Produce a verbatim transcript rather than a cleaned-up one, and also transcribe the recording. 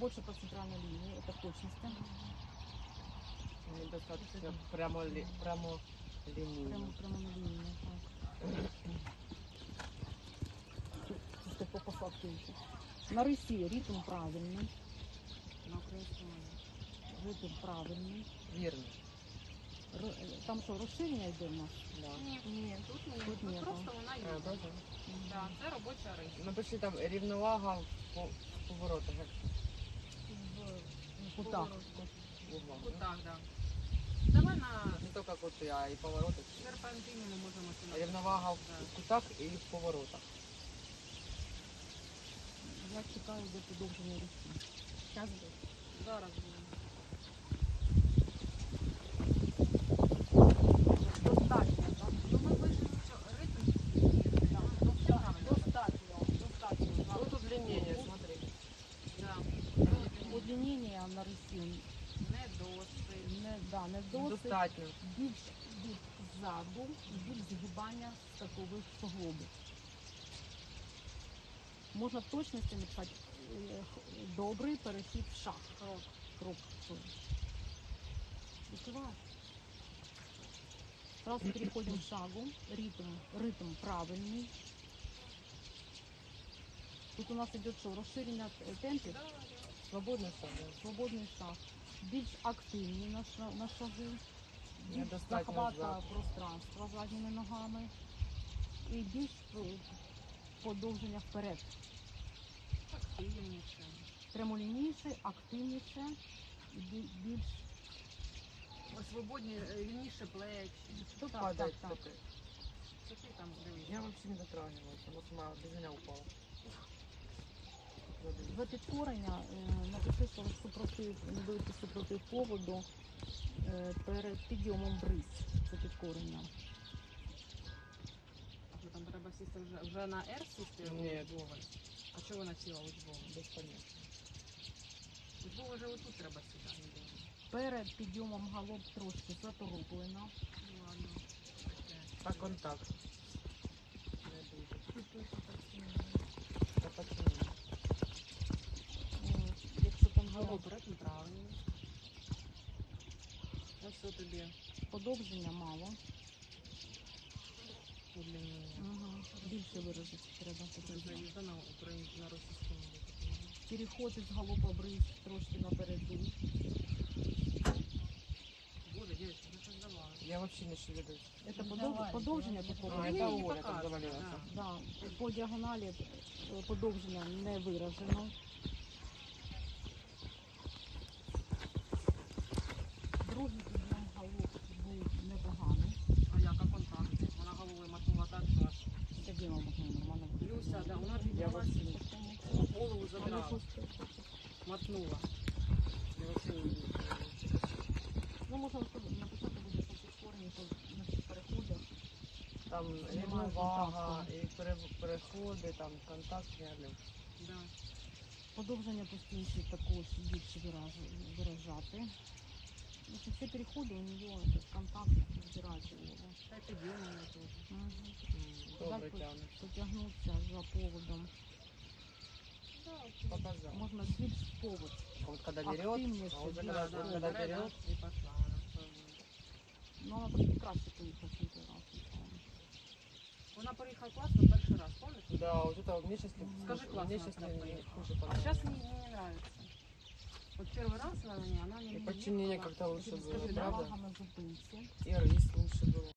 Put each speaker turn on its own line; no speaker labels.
больше по центральной линии, это в точности.
Недостаточно прямо, ли, прямо лінійно.
Прямо, прямо на линии. Так. Чисто по посадке. На рысі ритм правильный.
На українському.
Ритм правильний.
Вірно.
Р- Там що, розширення йде в нас?
Да.
Ні, ні, тут ні.
Тут
Тут
ні,
просто вона є.
А, бачиш?
Да, це робоча риса.
Напиши там рівновага в по- в поворотах. як
В кутах.
в углах,
Вот
да?
так, да. Давай на
Не тільки кути, а і повороти.
серпантині ми можемо сюди.
Рівновага в
Да.
кутах і в поворотах.
Я чекаю до подовження рисі. Зараз буде.
Зараз буде.
Достатньо, так?
Ну ми пишемо, що ритм є. Ну, все правильно.
Достатньо, достатньо.
Тут удлинення, смотри.
Да.
Удлинення на рисі
Не досить.
не, да, не досить.
Достатньо.
Більш від ззаду і більш згибання статових суглобів. Можна в точності написати е, х- добрий перехід в шаг. Крок. Крок. Відкривай. Сразу переходим к шагу. Ритм, ритм правильний. Тут у нас идет что? Розширення т- темпів.
Да, да.
Свободний шаг.
Свободний шаг. Більш активні на, ша- на шаги. Більш
Недостатньо
захвата
ззаду.
пространства задніми ногами. І більш е, подовження вперед.
Активніше.
Прямолінійше, активніше і бі- більш
Ось свободні, е, вільніше плечі.
Что
Так,
падает?
так, так.
кстати?
Що ти там дивишся?
Я вообще не дотрагивалась. Она сама без меня упала.
за підкорення. е, Напиши, що супротив, не будете супротив поводу е, перед підйомом бриз. Це підкорення.
А що там треба сісти вже, вже на R сісти?
Ні.
Учбовий? А чого вона сіла учбовий?
Без понятия.
Учбовий вже отут треба сідати.
Перед підйомом галоп трошки затороплено.
Ну ладно. Таке.
А контакт? Не дуже. Та почему?
Е, Якщо там
Галоп
галоп
ритм правильний. Ось що тобі
подовження мало.
удлинення.
Угу. Більше виразити треба.
Це
потрібно.
заїзда на українську, на російську мову.
Переход із галопа бриз трошки напереду.
Боже, дівчатка, ви що здавали?
Я вообще не шевелюсь.
Це подов... подовження такого.
А,
Ні,
это
не
Оля так
показує,
завалилась.
да.
Да, по діагоналі е, подовження не виражено. Другий підйом галоп був непоганий.
А яка контакти? Вона головою мотнула так, що аж
Тоді ми могли нормально.
Люся, да, вона
Я
піднялася,
вообще не
голову задрала, мотнула.
Я вообще не вижу.
Ну, можна написати буде по підкоренні, по на цих переходах.
Там
Немає
рівновага,
контакту.
і пере- переходи, там контакт реально.
Да.
Подовження постійно також більше вираж- виражати. Якщо всі переходи у нього контакт збирається.
Та й підйомила теж.
Угу.
Добре
Далі
тягнеш.
потягнутися за поводом.
Показал.
Можна більш повод.
Вот когда берет,
Активніше,
а уже
да,
когда,
Да, да,
когда
бере,
берет,
да, і пошла вона.
Ну, вона трошки краще поїхала, ніж той раз.
Вона поїхала класно перший раз, пам'ятаєш?
да, вот это мне сейчас,
Скажи, классно
мне сейчас
она
не, не
поехала.
хуже
А
понравилось.
сейчас мне не нравится. Вот первый раз на мне она мне
И
не
подчинение
ехала.
как-то лучше
Скажи,
было,
да,
правда?
Увага на зупинці.
И рис лучше было.